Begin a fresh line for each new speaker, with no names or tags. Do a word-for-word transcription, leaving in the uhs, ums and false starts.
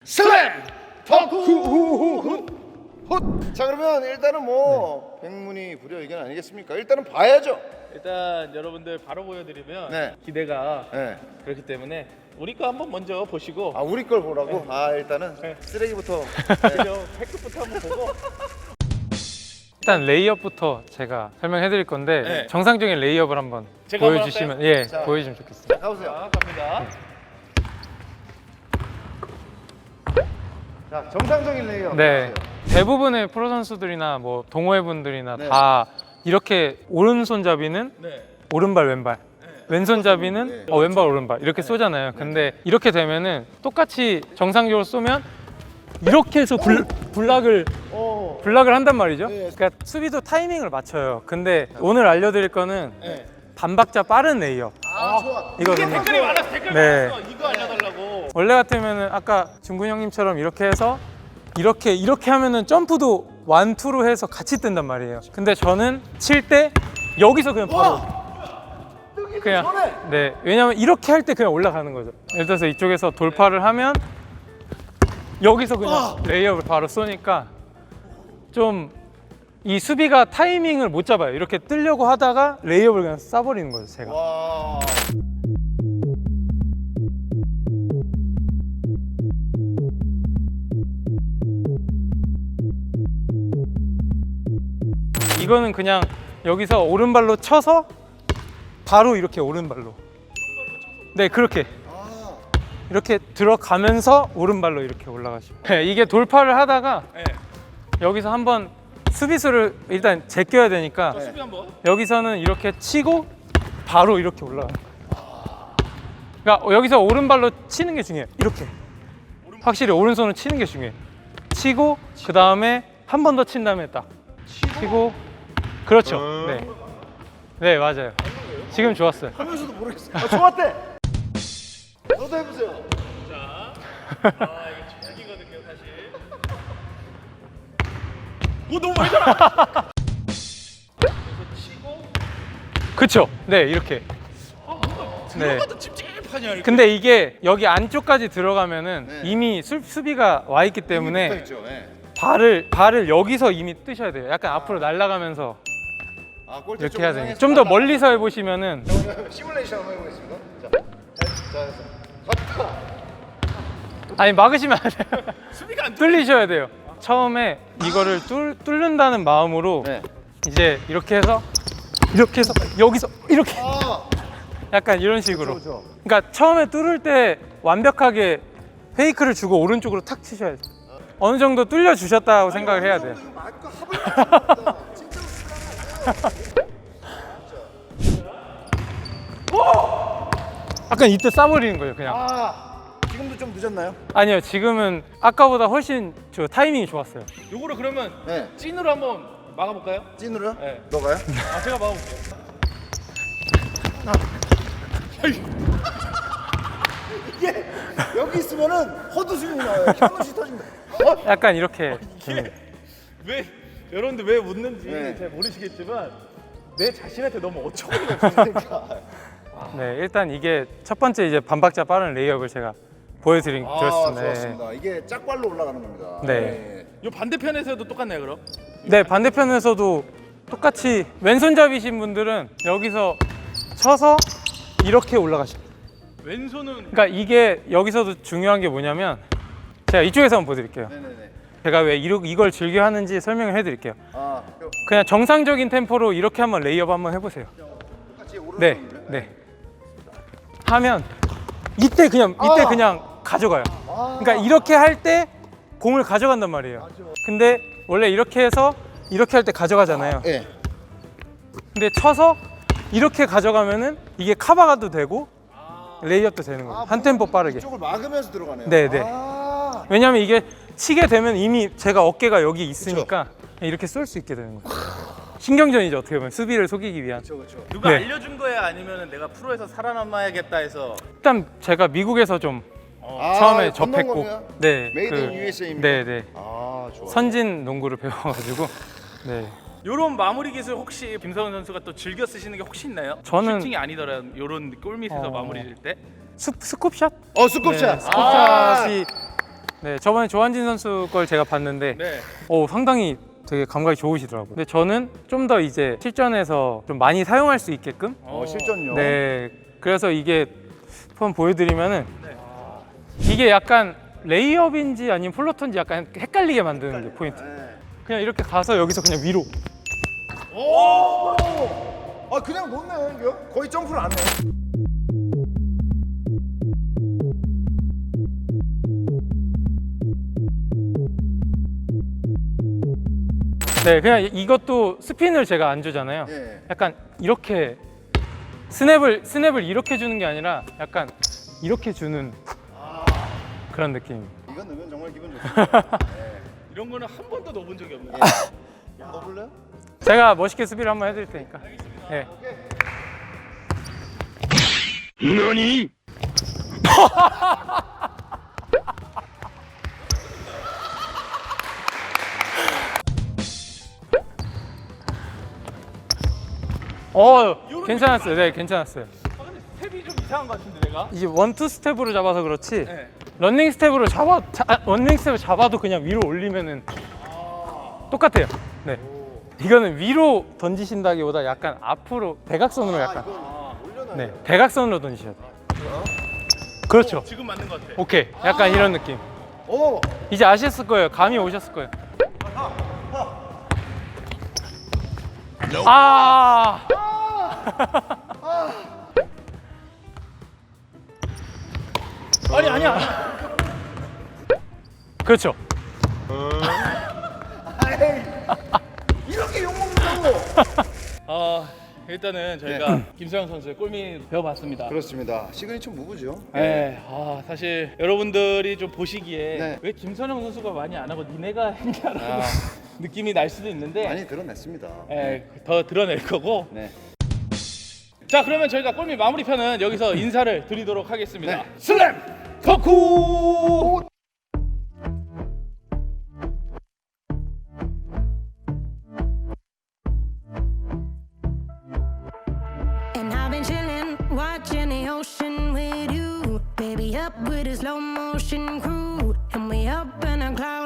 슬램 덕후 훗. 자 그러면 일단은 뭐 백문이 불여의견 아니겠습니까? 일단은 봐야죠.
일단 여러분들 바로 보여드리면
네.
기대가
네.
그렇기 때문에 우리 거 한번 먼저 보시고
아 우리 걸 보라고?
네.
아 일단은
네.
쓰레기부터.
그죠? 팩트부터 한번 보고
일단 레이업부터 제가 설명해 드릴 건데
네.
정상적인 레이업을 한번
제가 한번
보여주시면 예
자.
보여주시면 좋겠습니다.
자 가보세요.
자 갑니다.
자 정상적인 레이어.
네, 대부분의 프로 선수들이나 뭐 동호회 분들이나
네.
다 이렇게 오른손잡이는
네.
오른발 왼발, 왼손잡이는
네.
어, 왼발 오른발 이렇게 쏘잖아요. 근데 이렇게 되면은 똑같이 정상적으로 쏘면 이렇게 해서 불, 블락을
오.
블락을 한단 말이죠.
네.
그러니까 수비도 타이밍을 맞춰요. 근데 오늘 알려드릴 거는
네.
반박자 빠른 레이업
아 좋아.
이거든요.
댓글이 많아서 댓글
네.
많았어. 이거 알려달라고.
원래 같으면은 아까 준군 형님처럼 이렇게 해서 이렇게 이렇게 하면은 점프도 완투로 해서 같이 뜬단 말이에요. 근데 저는 칠 때 여기서 그냥 바로 그냥 네, 왜냐면 이렇게 할 때 그냥 올라가는 거죠. 예를 들어서 이쪽에서 돌파를 하면 여기서 그냥 레이업을 바로 쏘니까 좀 이 수비가 타이밍을 못 잡아요. 이렇게 뜨려고 하다가 레이업을 그냥 쏴버리는 거죠, 제가.
와.
이거는 그냥 여기서 오른발로 쳐서 바로 이렇게 오른발로. 네, 그렇게.
아.
이렇게 들어가면서 오른발로 이렇게 올라가시고. 네, 이게 돌파를 하다가
네.
여기서 한번 수비수를 일단 제껴야 되니까
저 수비 한번.
여기서는 이렇게 치고 바로 이렇게 올라가는 거예요. 그러니까 여기서 오른발로 치는 게 중요해요. 이렇게. 확실히 오른손을 치는 게 중요해요. 치고 그 다음에 한 번 더 친 다음에 딱 치고 그렇죠. 네, 네 맞아요. 지금 좋았어요.
하면서도 모르겠어. 아, 좋았대. 너도 해보세요.
자. 아 이게 최악이거든요 사실. 오 너무 많이 잖아. 그래서 치고.
그렇죠. 네 이렇게.
아 뭔가 들어가도 찝찝하냐 이렇게.
근데 이게 여기 안쪽까지 들어가면은
네.
이미 수, 수비가 와 있기 때문에
있죠. 네.
발을 발을 여기서 이미 뜨셔야 돼요. 약간 앞으로 날아가면서
아, 골대
이렇게
쪽으로
해야 돼요.
향해서
좀 더
날아가-
멀리서 해보시면은
시뮬레이션 한번 해보겠습니다. 자, 자, 자, 갔다.
아니 막으시면 안 돼요.
수비가 안 돼.
뚫리셔야 돼요. 처음에 이거를 뚫, 뚫는다는 마음으로
네.
이제 이렇게 해서 이렇게 해서 여기서 이렇게
아,
약간 이런 식으로.
그렇죠.
그러니까 처음에 뚫을 때 완벽하게 페이크를 주고 오른쪽으로 탁 치셔야 돼요. 어느 정도 뚫려 주셨다고 생각을 해야 돼요.
이거 말고 합을 맞습니다. 진짜로.
약간 이때 쏴버리는 거예요, 그냥.
아, 지금도 좀 늦었나요?
아니요, 지금은 아까보다 훨씬 저 타이밍이 좋았어요.
요거를 그러면
네.
찐으로 한번 막아볼까요?
찐으로요?
네.
너가요?
아 제가 막아볼게요.
이게 여기 있으면은 헛웃음이 나와요. 현우씨 터진다. 어?
약간 이렇게. 됩니다.
왜 여러분들 왜 웃는지
네.
잘 모르시겠지만 내 자신한테 너무 어처구니가 없어요.
그러니까.
네, 일단 이게 첫 번째 이제 반박자 빠른 레이업을 제가 보여드린
아,
드렸습니다.
좋았습니다. 이게 짝발로 올라가는 겁니다.
네.
요 반대편에서도 똑같나요 그럼?
네, 반대편에서도 똑같이 왼손잡이신 분들은 여기서 쳐서 이렇게 올라가십니다.
왼손은
그러니까 이게 여기서도 중요한 게 뭐냐면 제가 이쪽에서 한번 보여드릴게요.
네네네.
제가 왜 이러, 이걸 즐겨 하는지 설명을 해드릴게요.
아, 요-
그냥 정상적인 템포로 이렇게 한번 레이업 한번 해보세요.
똑같이 오른손.
네, 네. 하면 이때 그냥 이때
아.
그냥 가져가요.
아.
그러니까 이렇게 할 때 공을 가져간단 말이에요. 근데 원래 이렇게 해서 이렇게 할 때 가져가잖아요.
네.
근데 쳐서 이렇게 가져가면은 이게 카바가도 되고 레이업도 되는 거예요. 한 템포 빠르게.
이쪽을 막으면서 들어가네요.
네, 네.
아.
왜냐면 이게 치게 되면 이미 제가 어깨가 여기 있으니까 이렇게 쏠 수 있게 되는 거예요. 신경전이죠, 어떻게 보면 수비를 속이기 위한.
그렇죠, 그렇죠.
누가
네.
알려준 거야 아니면 내가 프로에서 살아남아야겠다 해서
일단 제가 미국에서 좀
아,
처음에
건너온
접했고,
겁니다?
네,
메이드 인 유에스에입니까?
네, 네,
아, 좋아.
선진 농구를 배워가지고, 네,
요런 마무리 기술 혹시 김성훈 선수가 또 즐겨 쓰시는 게 혹시 있나요?
저는-
슈팅이 아니더라도 요런 골밑에서
어.
마무리 질 때?
스, 스쿱샷?
어, 스쿱샷.
네, 스쿱샷이 네, 저번에 조한진 선수 걸 제가 봤는데
네.
어, 상당히 되게 감각이 좋으시더라고요. 근데 저는 좀 더 이제 실전에서 좀 많이 사용할 수 있게끔
어, 실전요.
네, 그래서 이게 한번 보여드리면은 이게 약간 레이업인지 아니면 플로터인지 약간 헷갈리게 만드는 게 포인트.
네.
그냥 이렇게 가서 여기서 그냥 위로.
오! 아 그냥 놓네 이거 거의 점프를 안 해.
네, 그냥 이것도 스핀을 제가 안 주잖아요.
예.
약간 이렇게 스냅을 스냅을 이렇게 주는 게 아니라 약간 이렇게 주는 그런 느낌.
이건 넣으면 정말 기분 좋습니다.
이런 거는 한 번도 넣어본 적이 없는데.
예. 넣어볼래요?
제가 멋있게 수비를 한번 해드릴 테니까. 네.
너니?
어, 괜찮았어요. 네, 괜찮았어요.
아, 근데 스텝이 좀 이상한 것 같은데 내가?
이제 원투 스텝으로 잡아서 그렇지.
네.
런닝 스텝으로 잡아, 자, 아, 런닝 스텝을 잡아도 그냥 위로 올리면은 똑같아요. 네. 이거는 위로 던지신다기보다 약간 앞으로 대각선으로 약간.
올려놔요.
네, 대각선으로 던지셔야 돼요. 그렇죠.
지금 맞는 것 같아.
오케이. 약간 이런 느낌.
오!
이제 아셨을 거예요. 감이 오셨을 거예요. 아!
아니 아니야. 아니야.
그렇죠.
이렇게 욕먹는다고!
어, 일단은 저희가 김서영 선수의 골밑 배워봤습니다.
그렇습니다. 시그니처 무브죠.
네, 아, 사실 여러분들이 좀 보시기에
네.
왜 김선영 선수가 많이 안 하고 니네가 했냐라고 느낌이 날 수도 있는데
많이 드러냈습니다.
예, 더 드러낼 거고.
네.
자, 그러면 저희가 골밑 마무리 편은 여기서 인사를 드리도록 하겠습니다.
네.
슬램 덕후!
And I've been chillin', watching the ocean with you. Baby, up with a slow motion crew. And we up in a cloud.